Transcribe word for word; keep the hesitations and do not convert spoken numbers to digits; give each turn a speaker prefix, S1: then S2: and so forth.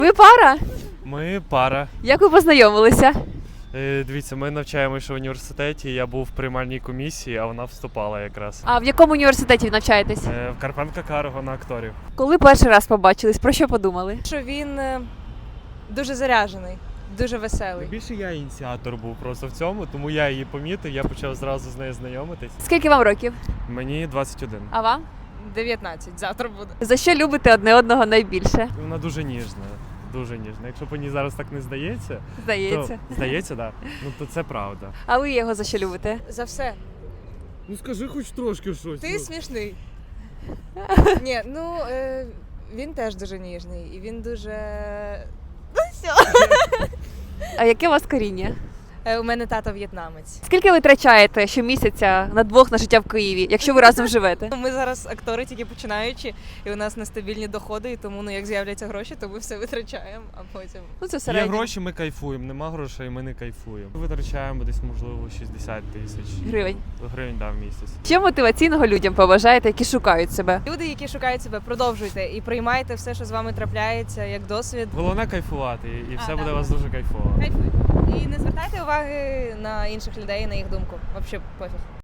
S1: Ви пара?
S2: Ми пара.
S1: Як ви познайомилися?
S2: Е, Дивіться, ми навчаємося в університеті. Я був в приймальній комісії, а вона вступала якраз.
S1: А в якому університеті ви навчаєтесь?
S2: Е, В Карпенка Карго на акторів.
S1: Коли перший раз побачились, про що подумали?
S3: Що він е, дуже заряджений, дуже веселий.
S2: Більше я ініціатор був просто в цьому, тому я її помітив, я почав зразу з нею знайомитись.
S1: Скільки вам років?
S2: Мені двадцять один.
S1: А вам?
S3: дев'ятнадцять, завтра буде.
S1: За що любите одне одного найбільше?
S2: Вона дуже ніжна, дуже ніжна. Якщо по ній зараз так не здається,
S1: Здається.
S2: то здається, так. Да. Ну то це правда.
S1: А ви його за що любите?
S3: За все.
S2: Ну скажи хоч трошки щось.
S3: Ти смішний. Ні, ну е, він теж дуже ніжний і він дуже. Ну все.
S1: А яке у вас коріння?
S3: Е, у мене тато в'єтнамець.
S1: Скільки ви витрачаєте щомісяця на двох на життя в Києві, якщо ви разом живете?
S3: Ми зараз актори тільки починаючі, і у нас нестабільні доходи, і тому ну як з'являться гроші, то ми все витрачаємо, а потім.
S1: Ну це
S2: Є
S1: середньо.
S2: гроші, ми кайфуємо. Нема грошей, ми не кайфуємо. Витрачаємо десь, можливо, шістдесят тисяч
S1: Гривень.
S2: гривень да, в місяць.
S1: Що мотиваційного людям побажаєте, які шукають себе?
S3: Люди, які шукають себе, продовжуйте і приймайте все, що з вами трапляється, як досвід.
S2: Головне кайфувати, і і
S3: А,
S2: все
S3: да,
S2: буде у
S3: да.
S2: вас дуже кайфово.
S3: Кайфуйте. І не звертайте уваги на інших людей, на їх думку. Взагалі пофіг.